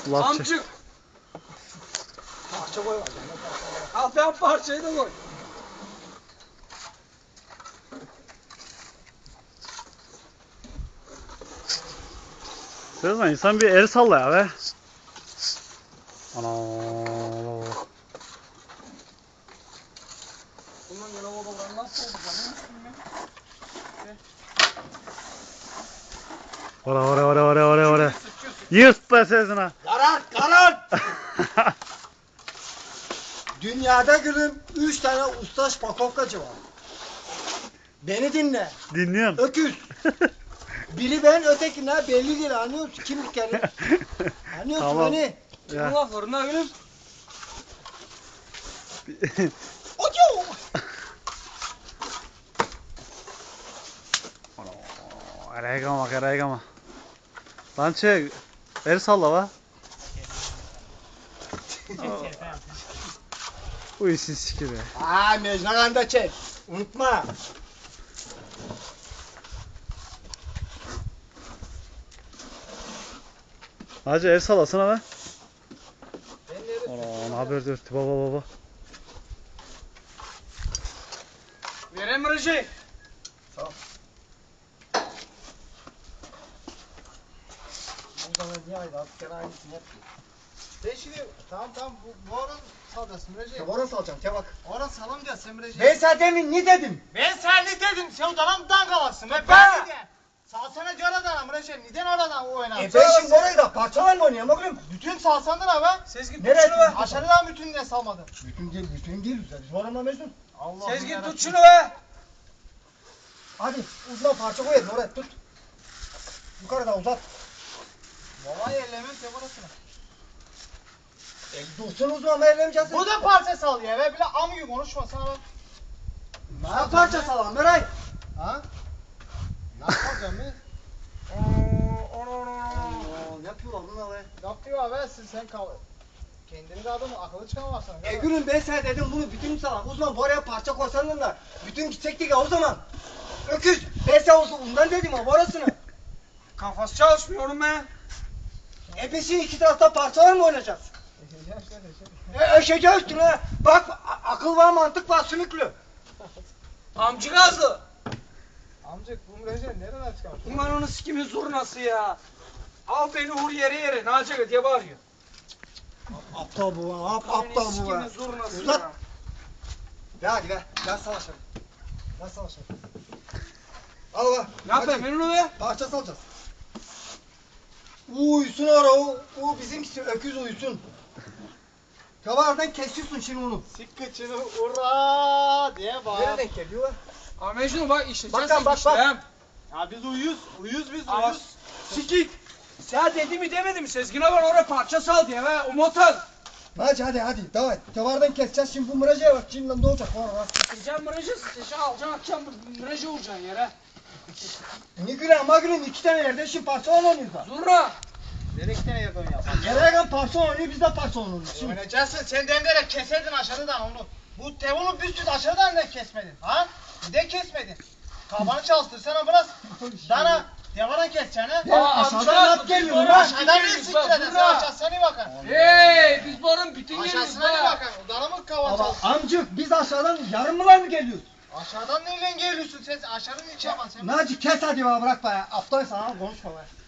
Lapça. Amcık. Parça koy var. Al ben parçayı da koy. Sezon insan bir el salla ya be. Ana. Bundan gene odalar nasıl oldu canım? Ora. Yırt be Sezon'a. Karan! Dünyada gülüm 3 tane usta şpakovkacı var. Beni dinle. Dinliyorum. Öküz. Biri ben, öteki ne belli değil, anlıyor musun? Kim bir kere? Anlıyorsun Tamam. beni? Ya. Allah fırına gülüm. Oyo! Araya gama. Lan çek. El salla va. Bu işin siki be. Aa, mecnagan da çek. Unutma. Hacı el sallasana be. Ben nerede? Ana haber dört. Baba. Verem Recep. Bu zaman niye aydı? Artık sen aynısını yap. Ben şimdi tamam bu oran salacaksın Recep. Tevara salacağım, tevak. Oran salam diye sen Recep. Ben sana demin ne dedim? Ben sen ne dedim? Sen odadan kalasın. Ben Ben- ne dedim? Salsana göre adam Recep. Neden oradan oynadın? Ben şimdi orayı da parçalar mı oynayayım oğlum? Bütün salsandın abi. Sezgin Nereye tut şunu be. gidiyorsun? Aşağıdan bütün ne salmadın? Bütün değil. Biz oranla Mecnun. Allah Sezgin tut şunu be. Hadi uzuna parça koyalım oraya tut. Yukarıda uzat. Vallahi ellemen sen orasını. Dursun uzman veremeyeceğiz. Bu da parça sal ya be. Bile am gibi konuşma sana bak. Ne parça salam Meray? Ha? Ne yapacağım ben? Ne yapıyorlar bunlar be? Ne yapıyor abi? Sen kal. Kendini de adamı akıllı çıkamazsın. Gülüm ben sana dedim bunu bütün salam. Uzman oraya parça koysanın da bütün gidecektik ya o zaman. Öküz. Ben sana ondan dedim ama orasını. Kafası çalışmıyor oğlum be. Peşin iki tarafta parçalar mı oynayacağız? Eşeceğiz üstüne. Bak akıl var mantık var sümüklü. Amcı gazı. Amcık bu Recep nereden çıkarttın? Ulan onu sikimin zurnası ya. Al beni vur yere. Ne yapacak diye bağırıyor. Aptal bu aptal bu. Sikimin zurnası Uzat. ya. Ver hadi ver. Ver savaşalım. Ver savaşalım. Al bak. Ne yapayım ben onu be? Parça salacağız. Uyusun ara o bizimkisi öküz uyusun. Kavardan kesiyorsun şimdi onu. Sik kıçını ura diye bağır. Nereden geliyor? Abi Mecnun bak işleyeceğiz. Bak. Ya biz uyuz biz Ama uyuz. sikik. Sen dedi mi demedi mi Sezgin'e var oraya parça sal diye be. O motor. Hadi devam et. Kavardan keseceğiz şimdi bu mıracaya bak şimdi ne olacak sonra. Sıkacaksın mırıcı sıkacaksın alacaksın atacaksın mırıcı vuracaksın yere. Ne gülen magülün iki tane yerde şimdi parça oynuyoruz da. Zurna. Nereye iki tane yerden ya? Gereken parça oynuyor biz de parça oynuyoruz şimdi. Oynayacaksın sen demlere keserdin aşağıdan onu. Bu tevunu büsbüt aşağıdan da kesmedin. Ha? Bir de kesmedin. Kafanı çalıştırsana biraz. Dana devana keseceksin ha. Ya aşağıdan at geliyor lan. Aşağıdan ne siktirdin sen aşağısına bakın. Hey biz buranın bütün yeriz Aşağısına be. bakın. Dana mı kavan Ama çalıştın? amcık biz aşağıdan yarımlar mı geliyoruz? Aşağıdan nereden geliyorsun sen? Aşağıdan hiç yapma sen. Naci kes hadi bana bırak be. Aptal sana konuşma be.